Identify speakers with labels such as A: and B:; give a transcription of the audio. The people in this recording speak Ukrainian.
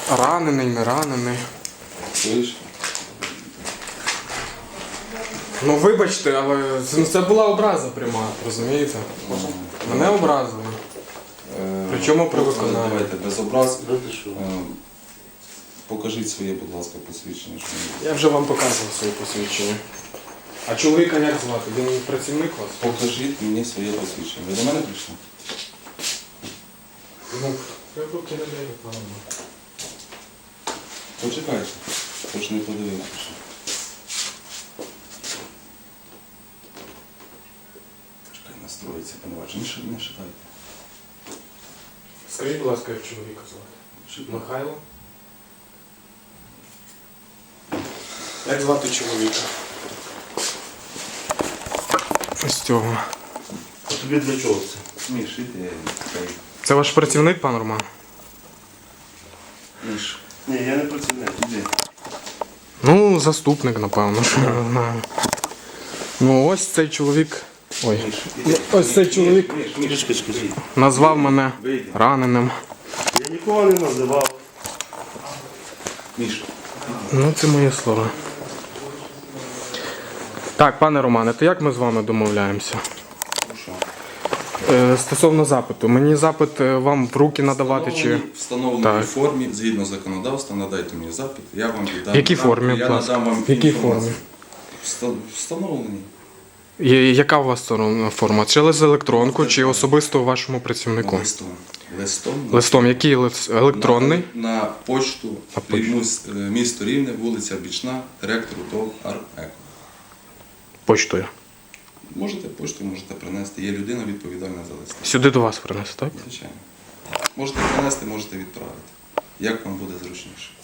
A: Ранений, не ранений.
B: Чуєш?
A: Ну вибачте, але це була образа пряма, розумієте? Мене образили. Причому при виконанні.
B: Давайте без образ. Покажіть своє, будь ласка, посвідчення.
A: Я вже вам показував своє посвідчення. А чоловіка як звати? Він працівник у вас?
B: Покажіть мені своє посвідчення. Ви до мене прийшли?
A: Ну, я руки не даю, пане.
B: Почекайте. Хоч не подивився. Чекай, настроїться, поневажно. Не шатайте.
A: Скажіть, будь ласка, як чоловіка звати? Михайло? Як звати чоловіка? Ось цього.
C: А тобі для чого це?
B: Міш, іди.
A: Це ваш працівник, пан Роман?
B: Міш.
C: Ні, я не працівник, іди.
A: Ну, заступник, напевно, що я не знаю. Ну, ось цей чоловік. Ой. Ось цей чоловік
C: Скажи.
A: назвав мене раненим.
C: Я нікого не називав.
B: Міш.
A: Ну, це мої слова. Так, пане Романе, то як ми з вами домовляємося?
B: Що?
A: Стосовно запиту. Мені запит вам в руки надавати чи...
B: В встановленій
A: Так.
B: формі, згідно законодавства, надайте мені запит, я вам віддам.
A: В якій формі,
B: Я
A: будь ласка?
B: надам вам
A: В якій
B: інформацію.
A: формі?
B: Встановленій.
A: Яка у вас форма? Через електронку чи особисто вашому працівнику?
B: Листом.
A: Листом. Який електронний?
B: На почту,
A: На почту.
B: місто Рівне, вулиця Бічна, директору ТОВ «Ар-Еко».
A: Почтою.
B: Можете почту, можете принести. Є людина відповідальна за листи.
A: Сюди до вас принесу, так?
B: Звичайно. Можете принести, можете відправити. Як вам буде зручніше.